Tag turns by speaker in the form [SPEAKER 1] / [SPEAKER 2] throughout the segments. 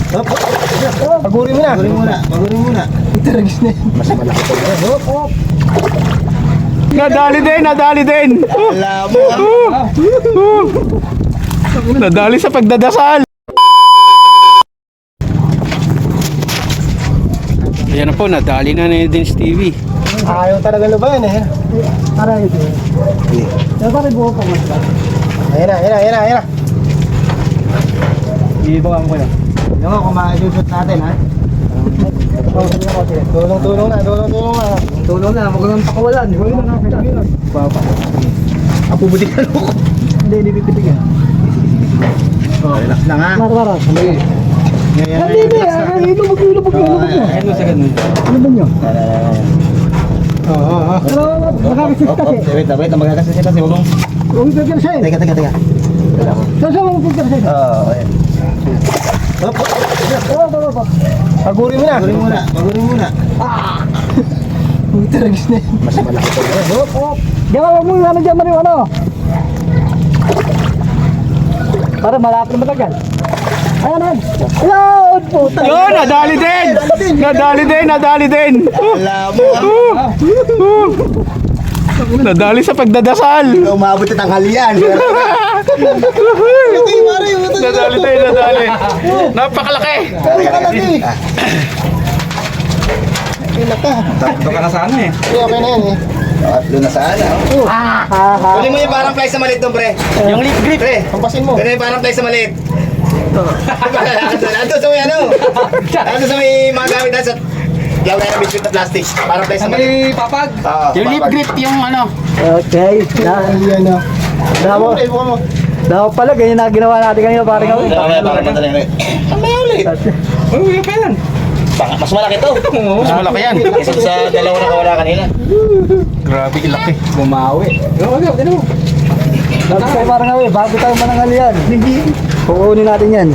[SPEAKER 1] Hop. Pagurin mo na. Pagurin muna. Taragis na yan. Mas malaki ito. Hop, hop.
[SPEAKER 2] Nadali din.
[SPEAKER 1] Alam mo.
[SPEAKER 2] Nadali sa pagdadasal. Ayan na po, nadali na din si TV.
[SPEAKER 1] Ayaw talaga na ba yan eh?
[SPEAKER 3] Para ito. Pero bakit buo pa mas ba?
[SPEAKER 1] Ayan na. Iibawan ko yan. Yung nga, kung ma-shoot natin ha. Tulong na.
[SPEAKER 3] Tulong na, huwag kang pakawalan. Huwag na nakakita.
[SPEAKER 1] Baba. Apo butik na loko.
[SPEAKER 3] Hindi pipitigyan.
[SPEAKER 1] Oh, relax lang ha.
[SPEAKER 3] Mara. Hindi. Hindi. Ilubog.
[SPEAKER 1] Ayun mo sa ganun.
[SPEAKER 3] Ano ba nyo?
[SPEAKER 1] Oo.
[SPEAKER 3] Pero nakakasit kasi.
[SPEAKER 1] Wait, magkakasit kasi huwag mong...
[SPEAKER 3] Huwag mo pagkarasay.
[SPEAKER 1] Teka.
[SPEAKER 3] Saan mo pagkarasay?
[SPEAKER 1] Oo, ayan. Hop. Pagurin mo na. Taragis na yan. Mas malaki ito. Hop.
[SPEAKER 3] Diyan ka, huwag mo ano dyan, Mario, ano? Para malapit na matagal. Ayan. Ayun, puta.
[SPEAKER 2] Yun, nadali din.
[SPEAKER 1] Alam mo.
[SPEAKER 2] Nadali sa pagdadasal.
[SPEAKER 1] Umabot na tanghalian.
[SPEAKER 2] Nadali. Napakalaki.
[SPEAKER 1] Tatlo ka na sana eh. Okay na yan eh. Tatlo na sana. Kunin mo yung parang fly sa maliit doon, pre.
[SPEAKER 2] Yung lip grip.
[SPEAKER 1] Pre, pampasin mo. Kunin yung parang fly sa maliit. Ando sa may ano? Ando sa may mga gamit na sa yaw na yung biscuit na plastic. Parang fly sa maliit.
[SPEAKER 3] papag.
[SPEAKER 2] Yung lip grip, yung ano.
[SPEAKER 3] Okay.
[SPEAKER 1] Ayan o.
[SPEAKER 3] Damo. Damo pala, ganyan na ginawa natin kanina, parang gawin.
[SPEAKER 1] Parang madali rin. Ang may ulit.
[SPEAKER 3] Uy, pa yan.
[SPEAKER 1] Mas malaki to.
[SPEAKER 2] Mas malaki yan.
[SPEAKER 1] Isa sa dalawa na kawala kanina.
[SPEAKER 2] Grabe, laki.
[SPEAKER 1] Bumawi.
[SPEAKER 3] Dapat kayo parang gawin, bago tayo manangal yan. Kukunin natin yan.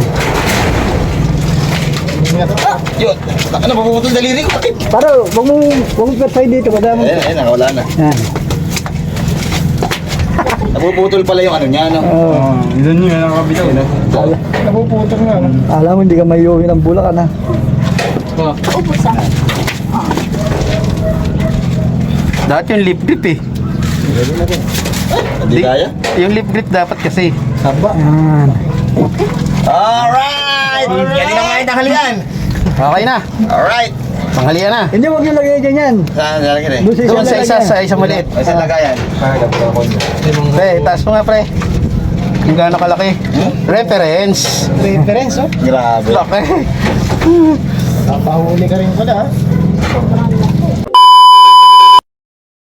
[SPEAKER 1] Yun. Ano, mapuputol daliri ko. Bakit?
[SPEAKER 3] Para, huwag mong percay dito, madami mo.
[SPEAKER 1] Ayan, nakawala na.
[SPEAKER 3] Yan.
[SPEAKER 1] Napuputol pala yung ano niya, no?
[SPEAKER 2] Yun yung nakakabitaw.
[SPEAKER 1] Napuputol nga, no?
[SPEAKER 3] Alam mo, hindi ka may iuwi ng Bulacan, ha?
[SPEAKER 2] Dati yung lip grip eh.
[SPEAKER 1] Hindi kaya?
[SPEAKER 2] Yung lip grip dapat kasi.
[SPEAKER 1] Haba.
[SPEAKER 3] Yan.
[SPEAKER 1] Alright! Yan din ang mga tanghalian.
[SPEAKER 2] Okay na.
[SPEAKER 1] Alright.
[SPEAKER 2] Panghalian na.
[SPEAKER 3] Hindi, huwag yung lagay dyan yan.
[SPEAKER 1] Saan lalagyan eh?
[SPEAKER 3] Doon
[SPEAKER 2] Doon sa isa, sa isang maliit.
[SPEAKER 1] Ay, saan lagayan?
[SPEAKER 2] Pre, taas mo nga pre. Yung gano'ng kalaki. Reference.
[SPEAKER 1] Reference, oh? Grabe.
[SPEAKER 2] Laki.
[SPEAKER 1] Napahuli ka rin pala, ha?